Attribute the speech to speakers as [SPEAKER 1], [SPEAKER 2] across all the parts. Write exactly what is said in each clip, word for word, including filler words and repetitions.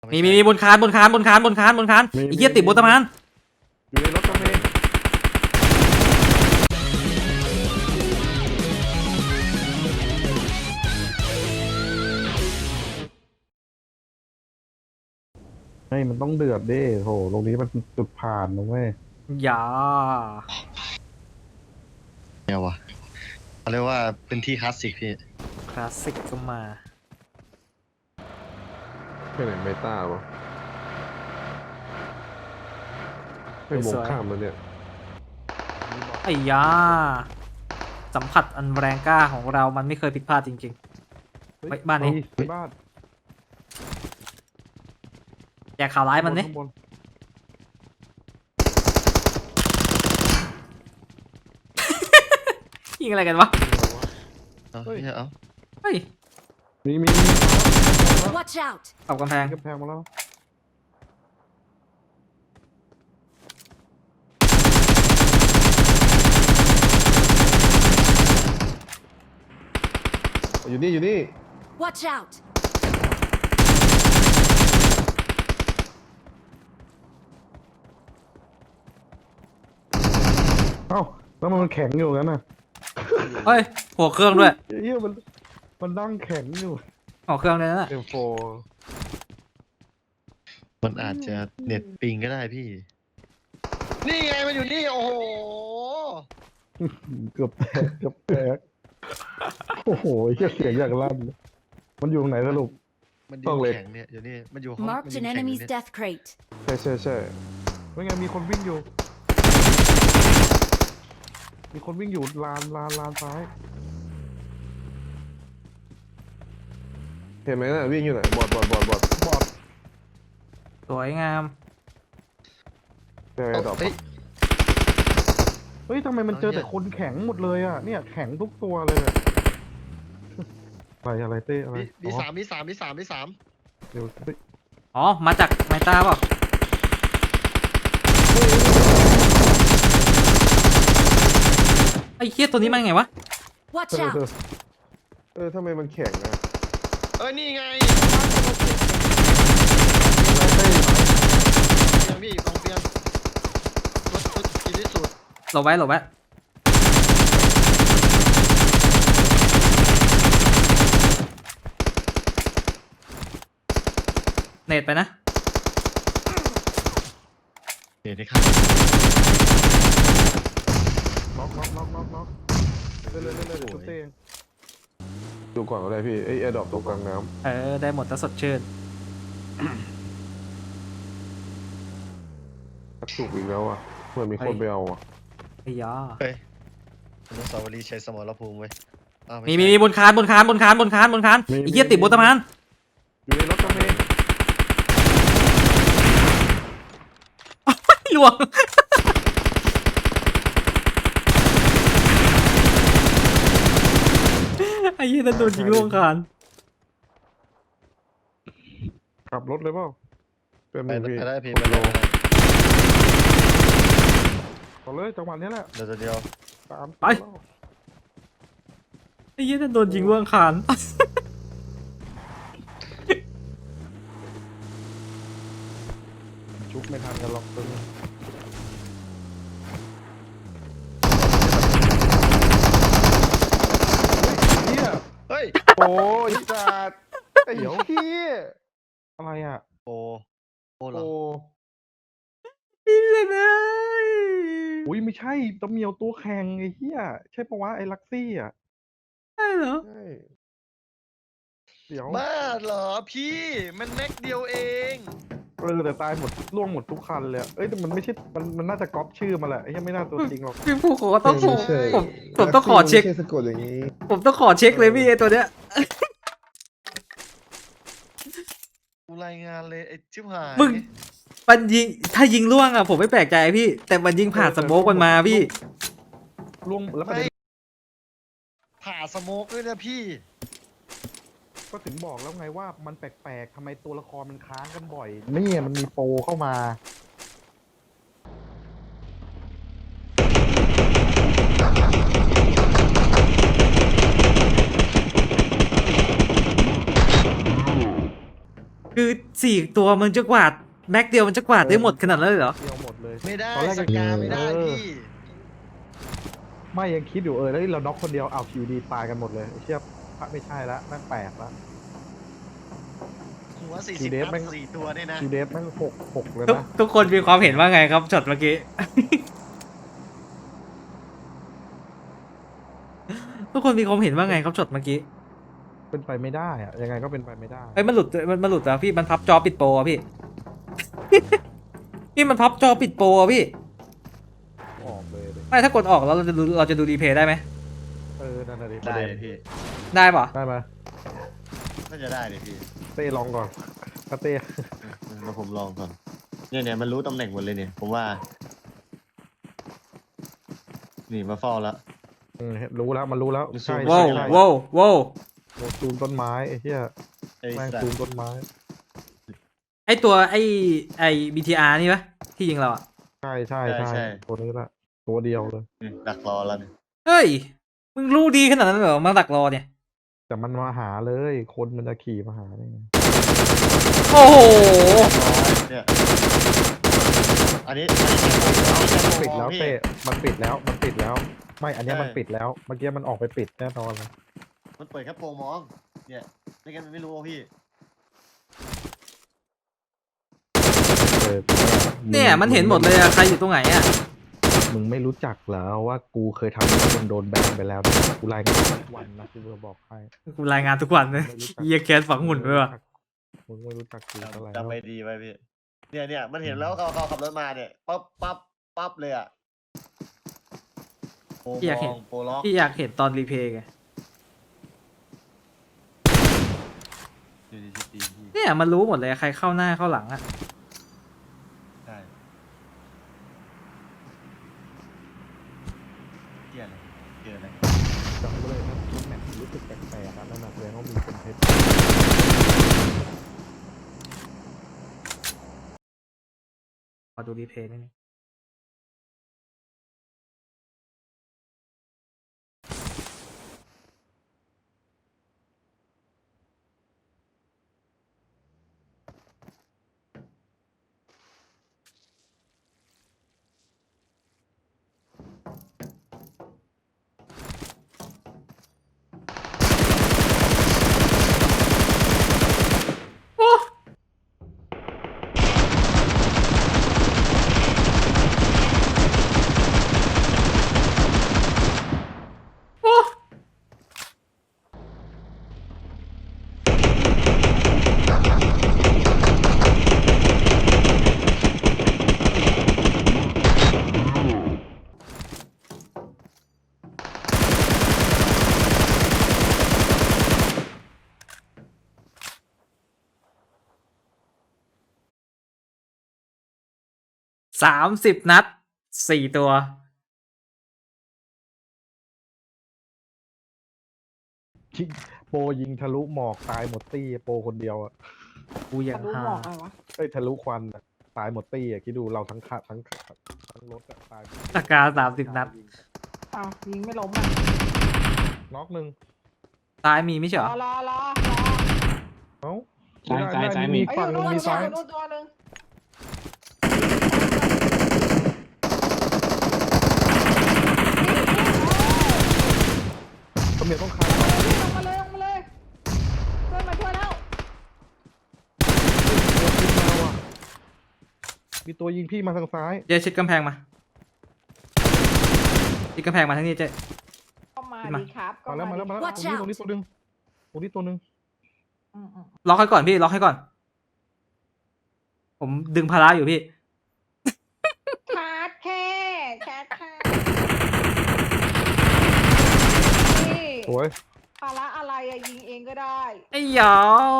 [SPEAKER 1] มีมีมีบนคานบนคานบนคานบนคานบนคานไอ้เหี้ยติดบนสะพาน
[SPEAKER 2] อยู่ในรถกระเมงเฮ้ยมันต้องเดือดดิโหตรงนี้มันจุดผ่านนะเว้ย
[SPEAKER 1] อย่า
[SPEAKER 3] เนี่ยวะเขาเรียกว่าเป็นที่คลาสสิกพี่
[SPEAKER 1] คลาสสิกก็มา
[SPEAKER 2] ไปไหนเมตาปะไปมองข้ามแล้วเนี่ย
[SPEAKER 1] ไอ้ยาสัมผัสอันแรงกล้าของเรามันไม่เคยผิดพลาดจริงๆไปบ้านนี้
[SPEAKER 2] บ้าน
[SPEAKER 1] แจกข่าวร้ายมันนี่ยิงอะไรกันวะ
[SPEAKER 3] เฮ้ยเอา
[SPEAKER 1] เฮ้ย
[SPEAKER 2] มีมี
[SPEAKER 4] Watch out
[SPEAKER 1] เอากำแพง
[SPEAKER 2] กำแพงมาแล้วอยู่นี่อยู่นี่
[SPEAKER 4] Watch out
[SPEAKER 2] เอ้าแล้วมันแข็งอยู่งั้นน่ะ
[SPEAKER 1] เฮ้ยหัวเครื่องด้วย
[SPEAKER 2] เฮียมันมันนั่งแข็งอยู่
[SPEAKER 1] หัวเครื่องเลยนะ
[SPEAKER 2] เอ็มโฟ
[SPEAKER 3] มันอาจจะเน็ตปิงก็ได้พี่นี่ไงมันอยู่นี่โอ้โห
[SPEAKER 2] เกือบแตกเกือบแตกโอ้โหเฮียเสียงอย่างลั่นมันอยู่ตรงไหนสรุป
[SPEAKER 3] มันอยู่แข็งเนี่ยอยู่นี่มันอยู่ห้อง
[SPEAKER 4] Marked an enemy's death crate
[SPEAKER 2] ใช่ใช่ใช่ไม่ไงมีคนวิ่งอยู่มีคนวิ่งอยู่ลานลานลานซ้ายเห็นไหมน่ะวิ่งอยู่ไหนบอดบอดบอดบอดบอด
[SPEAKER 1] สวยงาม
[SPEAKER 2] เจอดอกเฮ้ยทำไมมันเจอแต่คนแข็งหมดเลยอ่ะเนี่ยแข็งทุกตัวเลยอะไรอะไรเต้อะไร
[SPEAKER 3] มีสามมีสามมีสามมีสาม
[SPEAKER 2] เดี๋ยว
[SPEAKER 1] อ๋อมาจากไมตาเปล่าไอ้เหี้ยตัวนี้มันไงวะ
[SPEAKER 4] Watch out
[SPEAKER 2] เออทำไมมันแข็งอ่ะ
[SPEAKER 3] เออนี่ไงพี่อยู่ตรงเตียงรถรถกินที่สุด
[SPEAKER 1] หลบไว้หลบไว้เน็ตไปนะ
[SPEAKER 3] เน็ตที่ข้าง
[SPEAKER 2] น็อกน็อกน็อกน็อกน็อกเล่นเล่นเล่นเล่นชุดเต้งดูก่อนอะไรพี่ไอ้แอร์ดรอปตรงกลางน้ำ
[SPEAKER 1] เออได้หมดแต่สดชื่น
[SPEAKER 2] ถูกอีกแล้วอ่ะเหมือนมีคนไปเอาอ่ะ
[SPEAKER 1] ไอ้ยา
[SPEAKER 3] เฮ้ยอนุสาวรีย์ชัยสมรภูมิเว้ย
[SPEAKER 1] มีมีมีบนคานบนคานบนคานบนคานบนคานไอ้เหี้ยติดบนสะพาน
[SPEAKER 2] อยู่ในรถกระเมง
[SPEAKER 1] หลวงไอ้เหี้ยนั่นโดนยิงล่วงคาน
[SPEAKER 2] ขับรถเลยเปล่าเป็นมือพี่
[SPEAKER 3] ไปได้พี่ไปเลย
[SPEAKER 2] ต่อเลยจังหวะนี้แหละ
[SPEAKER 3] เดี๋ยวเดียว
[SPEAKER 2] ตาม
[SPEAKER 1] ไปไอ้เหี้ยนั่นโดนยิงล่วงคาน
[SPEAKER 2] ชุบไม่ทันกันหรอกตึง
[SPEAKER 3] เฮ้ย
[SPEAKER 2] โอ้ยจัดเดี๋ยวพี่อะไรอ่ะ
[SPEAKER 3] โอ้โอ้เหรอ
[SPEAKER 1] พี่เลย
[SPEAKER 2] อุ้ยไม่ใช่ตะเมียวตัวแข็งไอ้เหี้ยใช่ปะวะไอ้ลักซี่อ่ะ
[SPEAKER 1] ใช่เหรอ
[SPEAKER 2] ใช่เดี๋ยว
[SPEAKER 3] บ้าเหรอพี่มันแม็กเดียวเอง
[SPEAKER 2] เออแต่ตายหมดล่วงหมดทุกคันเลยเอ้ยแต่มันไม่ใช่มันมันน่าจะก๊อปชื่อมาแหละไอ้ยังไม่น่าตัวจริงหรอก
[SPEAKER 1] พี่ผู้ขอต้องผมผมต้องขอเช็ค
[SPEAKER 2] สะกดอย่างนี้
[SPEAKER 1] ผมต้องขอเช็คเลยพี่ไอ้ตัวเนี้ย
[SPEAKER 3] กูรายงานเลยไอ้ชิบหาย
[SPEAKER 1] มึงมันยิงถ้ายิงล่วงอ่ะผมไม่แปลกใจพี่แต่มันยิงผ่านสโมกมันมาพี่
[SPEAKER 2] ล่วงแล้วไม่
[SPEAKER 3] ผ่าสโมกด้วยนะพี่
[SPEAKER 2] ก็ถึงบอกแล้วไงว่ามันแปลกๆทำไมตัวละครมันค้างกันบ่อยนี่มันมีโปรเข้ามา
[SPEAKER 1] คือสี่ตัวมันจะกวาดแม็กเดียวมันจะกวาดได้หมดขนาดนั้นเลยเหรอ
[SPEAKER 2] เดียวหมดเลย
[SPEAKER 3] ไม่ได้
[SPEAKER 2] ตอนแรก
[SPEAKER 3] ส
[SPEAKER 2] ยัง
[SPEAKER 3] กาไม่ได้
[SPEAKER 2] เออ
[SPEAKER 3] พี่
[SPEAKER 2] ไม่ยังคิดอยู่เออแล้วเราน็อกคนเดียวเอาคิวดีตายกันหมดเลยไอ้เชี่ยพระไม่ใช่ละแม่งแปลกละ
[SPEAKER 3] หัวสี่
[SPEAKER 2] คิ
[SPEAKER 3] สิ
[SPEAKER 2] ว
[SPEAKER 3] บ
[SPEAKER 2] เดฟ
[SPEAKER 3] นัด
[SPEAKER 2] แม่ง
[SPEAKER 3] สี่ตัวเนี่ยนะ
[SPEAKER 2] คิวเดฟแม่งหกหกเลย
[SPEAKER 1] ทุก
[SPEAKER 2] นะ
[SPEAKER 1] ทุกคนมีความเห็นว่าไงครับช็อตเมื่อกี้ ทุกคนมีความเห็นว่าไงครับช็อตเมื่อกี้
[SPEAKER 2] เป็นไปไม่ได้อะยังไงก็เป็นไปไม่ได้
[SPEAKER 1] เอ้ยมันหลุดมันมันหลุดอะพี่มันพับจอปิดโปรอะพี่ พี่มันพับจอปิดโปรอะพี่
[SPEAKER 2] ออกเลยดิ
[SPEAKER 1] ไม่ถ้ากดออกแล้วเราจะดูเราจะดูรีเพย์ได้ไหม
[SPEAKER 2] เออนั่นน่ะดิ
[SPEAKER 3] ได้เลยพี่
[SPEAKER 1] ได้ปะ
[SPEAKER 2] ได้ไหม
[SPEAKER 3] น่าจะได้เลยพี่
[SPEAKER 2] เต้ลองก่อนถ้าเต้
[SPEAKER 3] มาผมลองก่อนเนี่ยเนี่ยมันรู้ตำแหน่งหมดเลยเนี่ยผมว่า นี่มาเฝ้าแล้ว
[SPEAKER 2] อืมรู้แล้วมันรู้แล้ว
[SPEAKER 3] มัน
[SPEAKER 2] ใช่
[SPEAKER 3] ซูม
[SPEAKER 1] ว้าว
[SPEAKER 2] ใช่
[SPEAKER 1] ว้าวว้าว
[SPEAKER 2] โอ้ซูมต้นไม้ไอ้เหี้ย
[SPEAKER 3] ไอ้
[SPEAKER 2] แม่ง
[SPEAKER 3] สัต
[SPEAKER 2] ซูม
[SPEAKER 3] ว์
[SPEAKER 2] ต้นไม้
[SPEAKER 1] ไอตัวไอไอ บี ที อาร์ นี่ปะที่ยิงเราอะ
[SPEAKER 2] ใช่ใช่ใช่ตัวนี้ละตัวเดียวเลย
[SPEAKER 3] นี่ดักรอแล้วเนี่ย
[SPEAKER 1] เฮ้ยมึงรู้ดีขนาดนั้นเหรอมาดักรอเนี่ย
[SPEAKER 2] แต่มันมาหาเลยคนมันจะขี่มาหาได้ไง
[SPEAKER 1] โอ้โห
[SPEAKER 3] เนี่ยอันนี้อันนี้
[SPEAKER 2] ปิดแล้ว
[SPEAKER 3] พี่
[SPEAKER 2] เต้มันปิดแล้วมันปิดแล้ว ไม่อันเนี้ย
[SPEAKER 3] ใช่
[SPEAKER 2] มันปิดแล้วเมื่อกี้มันออกไปปิดแน่นอนเลย
[SPEAKER 3] มันเปิดแค่โปรงมอง เนี่ยไม่งั้นมันไม่รู้ว่าพี่
[SPEAKER 2] เออ
[SPEAKER 1] เนี่ยมันเห็นหมดเลยอะใครอยู่ตรงไหนอะ
[SPEAKER 2] มึงไม่รู้จักเหรอว่ากูเคยทำให้คนโดนแบนไปแล้วนะกูรายงานทุกวันนะที่เบอร์บอกให้
[SPEAKER 1] กูรายงานทุกวันเลยเยียแคสฝังหุ่นไปว่ะ
[SPEAKER 2] มึงไม่รู้จักกูเท่าไหร่
[SPEAKER 3] จำไปดีไว้พี่ เนี่ยเนี่ยมันเห็นแล้วเขาเขาขับรถมาเนี่ยปั๊บปั๊บปั๊บเลยอ่ะโปรมองโปรล็อก
[SPEAKER 1] พี่อยากเห็นตอนรีเพย์ไง
[SPEAKER 3] ดีดีดีพี่
[SPEAKER 1] เนี่ยมันรู้หมดเลยใครเข้าหน้าเข้าหลังอะ
[SPEAKER 3] ใช่เกี่ยอะไรเกี่ยอะไร
[SPEAKER 2] จำไว้เลยนะมันแมทรู้สึกแปลกๆนะนั่นน่ะแสดงว่ามีคนเทป
[SPEAKER 1] ขอดูรีเพย์นิดนึงโอ้โอ้ สามสิบนัดสี่ตัว
[SPEAKER 2] ชิโปรยิงทะลุหมอกตายหมดตี้โปรคนเดียวอ่ะ
[SPEAKER 1] กูยัง
[SPEAKER 5] รู้
[SPEAKER 1] หา
[SPEAKER 5] บอกอะไรวะ
[SPEAKER 2] เอ้ยทะลุควันอะตายหมดตี้อ่ะคิดดูเราทั้งคัทั้งทั้งรถอะตายหมด
[SPEAKER 1] ตะกาสามสิบนัด
[SPEAKER 5] อ้าวยิงไม่ล้มอ่ะ
[SPEAKER 2] น็อกหนึ่ง
[SPEAKER 1] ตายมีไม่ใช่
[SPEAKER 5] ร
[SPEAKER 1] เหร
[SPEAKER 5] อ
[SPEAKER 1] อ
[SPEAKER 5] รอรอ
[SPEAKER 2] เอ้า
[SPEAKER 6] ซ้ายซ้ายซ้ายมี
[SPEAKER 5] ไอ้ย
[SPEAKER 2] ฝั่ง
[SPEAKER 5] อ
[SPEAKER 2] หนึ
[SPEAKER 5] ยู่
[SPEAKER 2] ง
[SPEAKER 5] นู่น
[SPEAKER 2] มี
[SPEAKER 5] ตัว
[SPEAKER 2] ซ้าย
[SPEAKER 5] อยู่นู่นตัวหนึ่ง
[SPEAKER 2] ตำรวจต้องคาน
[SPEAKER 5] ลงมาเลยลงมาเลยเพื่อนมาช่วยแล้ว
[SPEAKER 2] มีตัวยิงพี่มาทางซ้าย
[SPEAKER 1] เจ๊ชิดกำแพงมาชิดกำแพงมาทางนี้เจ๊
[SPEAKER 5] เข้ามา
[SPEAKER 1] มา
[SPEAKER 5] ดีครับ
[SPEAKER 2] มาแล้วมาแล้วมาแล้วต
[SPEAKER 4] Watch
[SPEAKER 2] รงนี้ตรงนี้ตัวหนึงตรงนี้ตัวหนึง
[SPEAKER 5] อืมอืม
[SPEAKER 1] ล็อกให้ก่อนพี่ล็อกให้ก่อน ผมดึงพาราอยู่พี่
[SPEAKER 5] ชาร์จแค่ชาร์จแค่นี่
[SPEAKER 2] โอ้ย
[SPEAKER 5] ภาระอะไรอะยิงเองก็ได้
[SPEAKER 1] ไอ้หยอ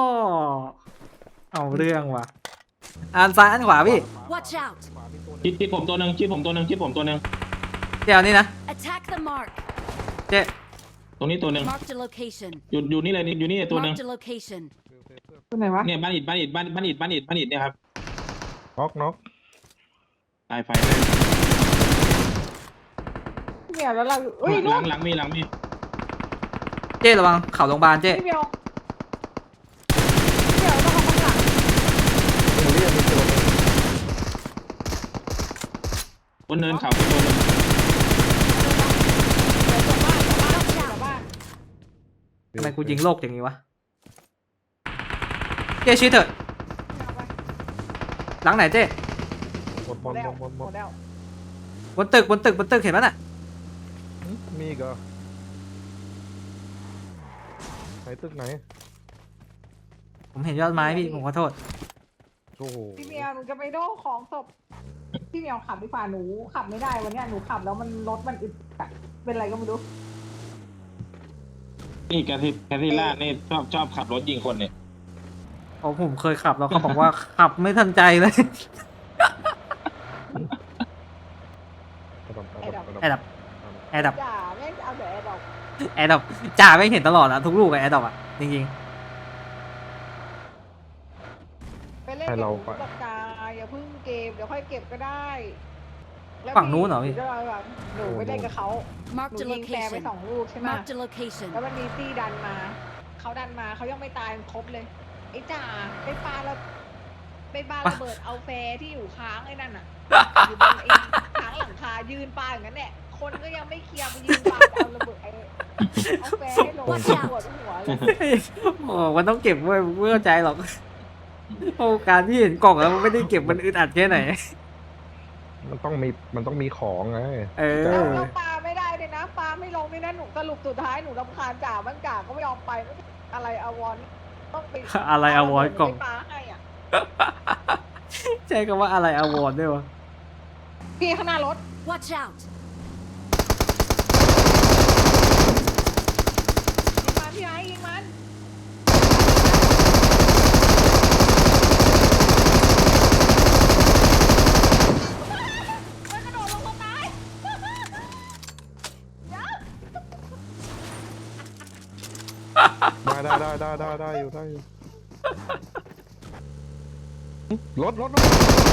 [SPEAKER 1] เอาเรื่องว่ะอ่านซ้ายอ่านขวาพี่
[SPEAKER 4] Watch out!
[SPEAKER 2] ขวามีตัวหนึ
[SPEAKER 6] ชิ
[SPEAKER 2] ง
[SPEAKER 6] ดชิดผมตัวหนึ่งชิดผมตัวหนึ่งชิดผมตัวหนึ่ง
[SPEAKER 1] เจ๊เอานี่นะ
[SPEAKER 4] Attack the mark!
[SPEAKER 1] เจ๊
[SPEAKER 6] ตรงนี้ตัวหนึ่ง
[SPEAKER 4] Marked a location.
[SPEAKER 6] อยู่อยู่นี่เลยอยู่นี่ตัวหนึ่ง
[SPEAKER 4] Marked a location.
[SPEAKER 5] ตัวไหนวะ
[SPEAKER 6] เนี่ยบ้านอิดบ้านอิดบ้านบ้านอิดบ้านอิดบ้านอิดเนี่ยครับ
[SPEAKER 2] น็อกน็อก
[SPEAKER 6] ตายไฟ
[SPEAKER 5] พี่เมียวแล้วเราเอ้ย
[SPEAKER 6] ห
[SPEAKER 5] นู่
[SPEAKER 6] ลั
[SPEAKER 5] น
[SPEAKER 6] งหลังมีหลังมี
[SPEAKER 1] เจ๊ระวังเข่าโรงพยาบาลเจ๊
[SPEAKER 5] พี่เมียวพี่เมียวต้องเอาข้างหลัง
[SPEAKER 6] บนเนินเขาเป็นตัวหนึง
[SPEAKER 5] เดี๋ยวตัวบ้านตัวบ้านตัวบ้าน
[SPEAKER 1] ทำไมกูยิงโลกอย่างนี้วะเจ๊ชี้เถอะ
[SPEAKER 5] เอาไป
[SPEAKER 1] หลังไหนเจ๊
[SPEAKER 2] หมด
[SPEAKER 5] ห
[SPEAKER 2] ห
[SPEAKER 5] ม
[SPEAKER 2] ม
[SPEAKER 5] ด
[SPEAKER 2] ด
[SPEAKER 5] แล้ว
[SPEAKER 2] หมดหมดห
[SPEAKER 5] ห
[SPEAKER 2] ม
[SPEAKER 5] ม
[SPEAKER 2] ด
[SPEAKER 5] ดแล้ว
[SPEAKER 1] บนตึกบนตึกบนตึกเห็นไหมน่ะ
[SPEAKER 2] มีอีกเหรอไหนตึกไหน
[SPEAKER 1] ผมเห็นยอดไม้พี่ผมขอโทษ
[SPEAKER 2] โอ้โห
[SPEAKER 5] พี่เมียวหนูจะไปโดของศพพี่เมียวขับดีกว่าหนูขับไม่ได้วันเนี้ยหนูขับแล้วมันรถมันอึดอัดเป็นไรก็ไม่รู้
[SPEAKER 6] นี่แคทที่แคทที่ล่านี่ชอบชอบขับรถยิงคนเนี่ย
[SPEAKER 1] เพราะผมเคยขับแล้วเขาบอกว่าขับไม่ทันใจเลย
[SPEAKER 2] กระดมกระ
[SPEAKER 5] ไอ้ดอก
[SPEAKER 2] ดม
[SPEAKER 1] แอร์ดับแอร์ดับ
[SPEAKER 5] จ่าแม่งเอาแต่ไอ้ดอก
[SPEAKER 1] แอร์ดับจ่าไม่เห็นตลอดอะทุกลูกอะแอร์ดับอะจริง
[SPEAKER 5] ไปเล่นกับหนูกับกาอย่าเพิ่งเก็บเดี๋ยวค่อยเก็บก็ได้แล้ว
[SPEAKER 1] ฝั่งนู้นเหรอพี่
[SPEAKER 5] ก็เลยแบบหนูไปเล่นกับเขาห
[SPEAKER 4] Marked
[SPEAKER 5] นู
[SPEAKER 4] a
[SPEAKER 5] ยิงแฟร์ไป
[SPEAKER 4] location.
[SPEAKER 5] สองลูกใช่ไหม
[SPEAKER 4] Marked a location.
[SPEAKER 5] แล้วมันมีตี้ดันมาเขาดันมาเขายังไม่ตายครบเลยไอ้จ่าไปปาแล้วไปปาระเบิดเอาแฟร์ที่อยู่ค้างไอ้นั่นอ่ะอยู่บนไอ้ค้างหลังคายืนปาอย่างนั้นแหละคนก็ยังไม่เคลียร์ไปยืนปาเอาระเบิดไอ้เอาแฟร์ให้ลงปวดหัวเลย
[SPEAKER 1] ๆ โอ้มันต้องเก็บเว้ยไม่เข้าใจหรอกโอ้การที่เห็นกล่องแล้วมันไม่ได้เก็บมันอึดอัดแค่ไหน
[SPEAKER 2] มันต้องมีมันต้องมีของไง
[SPEAKER 1] เอ
[SPEAKER 5] เรา
[SPEAKER 1] อ
[SPEAKER 5] เราปาไม่ได้เลยนะปาไม่ลงเลยนะหนูสรุปสุดท้ายหนูรำคาญจ่าบ้างจ่าก็ไม่ยอมไปอะไรอวรต้องไป
[SPEAKER 1] อะไรอวรกล่อง
[SPEAKER 5] ไปปาให้อ่ะ
[SPEAKER 1] ใช้คำว่าอะไรอวอร์ดด้วยวะ
[SPEAKER 5] พี่ข้างหน้ารถ
[SPEAKER 4] Watch out.
[SPEAKER 5] ยิงมันพี่ไอ้ยิงมันมันกระโดดลงมาตายเดี๋ยว
[SPEAKER 2] ได้ได้ได้ได้ได้ได้อยู่ได้อยู่รถรถรถ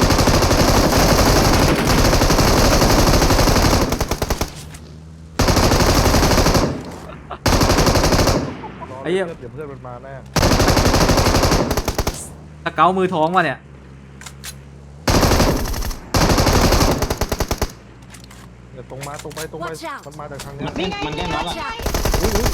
[SPEAKER 1] ไอ้เหี้ย
[SPEAKER 2] เดี๋ยวเพื่อนมันมาแน่
[SPEAKER 1] สเกลมือท้องวะเนี่ย
[SPEAKER 2] เดี๋ยวตรงมาตรงไปตรงไป
[SPEAKER 4] Watch out
[SPEAKER 2] มันมาจากทางเนี้
[SPEAKER 6] มั
[SPEAKER 2] ย
[SPEAKER 6] นแค่มันแค่น็อก
[SPEAKER 4] Watch
[SPEAKER 6] อะ
[SPEAKER 4] out.
[SPEAKER 2] อุ้ยอุ้ย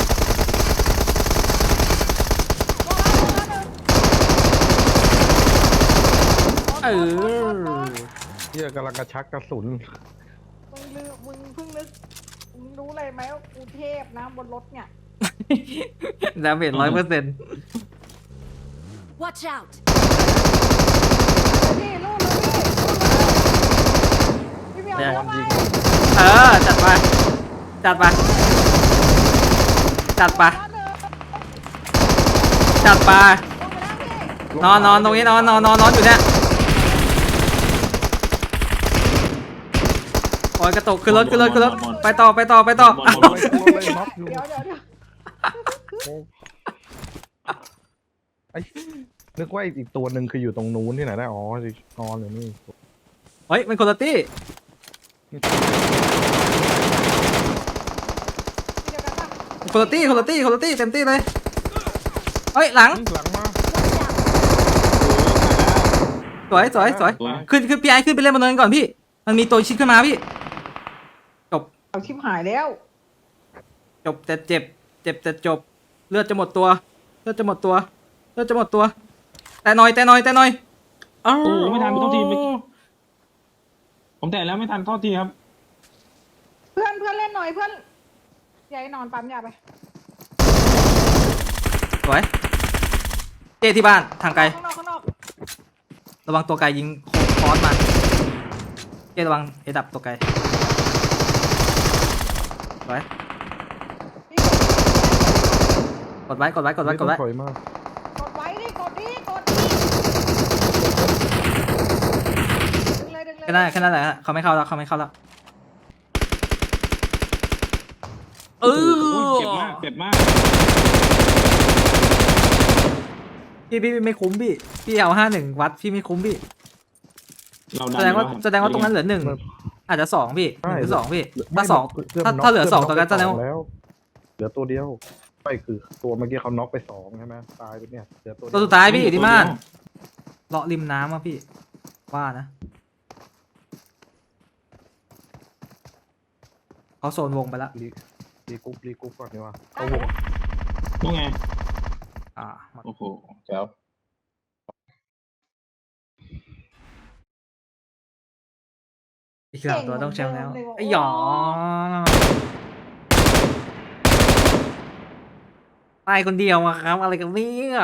[SPEAKER 1] เออ
[SPEAKER 2] เฮียกำลังกระชักกระสุน
[SPEAKER 5] มึงลืมมึงเพิ่งนึกมึงรู้เลยไหมว่ากูเทพนะบนรถเนี่ย
[SPEAKER 1] ดาเมจร้อยเปอร์เซ็นต์
[SPEAKER 4] Watch out.
[SPEAKER 5] พี่ลูกเลยพี่ลูกเลยพี่เมียวแล้วไง
[SPEAKER 1] เออ จัดไป จัดไป จัดไป จัดไป นอนนอนตรงนี้นอนนอนนอนนอนอยู่เนี่ยโอ้ยกระตุกขึ้นรถขึ้นรถขึ้นรถไปต่อไปต่อไปต่อ
[SPEAKER 6] หมด
[SPEAKER 1] อ้าว
[SPEAKER 6] หมดหมด
[SPEAKER 2] ลงเลยน็อกอยู่
[SPEAKER 5] เดี๋ยวเดี๋ยวเดี๋ยว
[SPEAKER 2] โอ้ไอ้นึกว่าอีกตัวหนึ่งคืออยู่ตรงนู้นที่ไหนได้อ๋อนอนอยู่นี่
[SPEAKER 1] เฮ้ยมันคนละตี้
[SPEAKER 5] พี่เดียวกันปะ
[SPEAKER 1] คนละตี้คนละตี้คนละตี้เต็มตี้เลยเฮ้ยหลัง
[SPEAKER 2] หลังมา
[SPEAKER 1] สวยสวยสวย
[SPEAKER 6] สวย
[SPEAKER 1] ขึ้นขึ้นพี่ไอขึ้นไปเล่นบนเนินก่อนพี่ มันมีตัวชิดขึ้นมาพี่
[SPEAKER 5] เอาชิบหายแล้ว
[SPEAKER 1] จบแต่เจ็บ เจ็บแต่จบ เลือดจะหมดตัว เลือดจะหมดตัว เลือดจะหมดตัว แต่หน่อยแต่หน่อยแต่หน่อยอ้าว
[SPEAKER 6] โอ้โหไม่ทันโทษทีเมื่อกี้ ผมแต่แล้วไม่ทันโทษทีครับ
[SPEAKER 5] เพื่อนเพื่อนเล่นหน่อยเพื่อนยายนอนปั๊มยาไป
[SPEAKER 1] สวยเจที่บ้านทางไกล
[SPEAKER 5] ข้างนอกข้างนอก
[SPEAKER 1] ระวังตัวไกลยิงคอร์สมาเจระวังเอดับตัวไกลสวย
[SPEAKER 5] พี่
[SPEAKER 1] กดไว้กดไว้กดไว้กดไว้
[SPEAKER 2] ม่ต้องถอยมาก
[SPEAKER 5] กดไว้ดิกดดิกดดิดึงเลยดึงเลย
[SPEAKER 1] แค่นั้นแค่นั้นแหละฮะเขาไม่เข้าแล้วเขาไม่เข้าแล้วเอ
[SPEAKER 6] โอ้โห
[SPEAKER 1] อ
[SPEAKER 6] เจ็บมากเจ็บมาก
[SPEAKER 1] พี่พี่พี่ไม่คุ้มพี่พี่เอาห้าหนึ่งวัดพี่ไม่คุ้มพี่
[SPEAKER 6] เราดัน
[SPEAKER 1] แสดงว่า
[SPEAKER 6] อยู่
[SPEAKER 1] แสดงว่าตรงนั้นเหลือหนึ่งอาจจะสองพี่หนึ่งหรือสองพี่
[SPEAKER 2] ไม่
[SPEAKER 1] ถ้าสอง
[SPEAKER 2] พื่น
[SPEAKER 1] ถ้า
[SPEAKER 2] น็ก
[SPEAKER 1] ถ้าเหลือสอง
[SPEAKER 2] พื่
[SPEAKER 1] ตัวกันแสดงว่า
[SPEAKER 2] แล้ว เหลือตัวเดียวไม่คือตัวเมื่อกี้เขาน็อกไปสองใช่ไหมตายไปเนี่ยเหลือตัว
[SPEAKER 1] ตัว
[SPEAKER 2] เดี
[SPEAKER 1] สุ
[SPEAKER 2] ยว
[SPEAKER 1] ดท้ายพี่อยู่ที่บ้านเลาะริมน้ำอ่ะพี่ว่านะเขาโซนวงไปแล้ว
[SPEAKER 2] รีรีกรุ๊ปรีกรุ๊ปก่อนดีกว่า
[SPEAKER 5] ได้
[SPEAKER 2] เอาวง
[SPEAKER 6] ว่าไง
[SPEAKER 1] อ่าหมด
[SPEAKER 6] โอ้โหแจ๋ว
[SPEAKER 1] อีกสามตัวต้องแชมป์แล้ว
[SPEAKER 5] เก่งเหมือนเดิมเลยว่ะ
[SPEAKER 1] ไอ้หยอตายคนเดียวอะครับ อะไรกันเนี่ย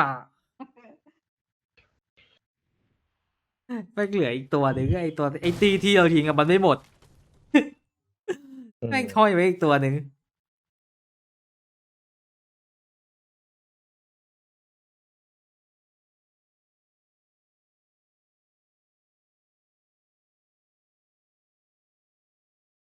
[SPEAKER 1] ไม่เหลืออีกตัวหนึ่งไอ้ตัวไอ้ตีที่เราทิ้งอะมันไม่หมดแม่งทอยไว้อีกตัวหนึ่ง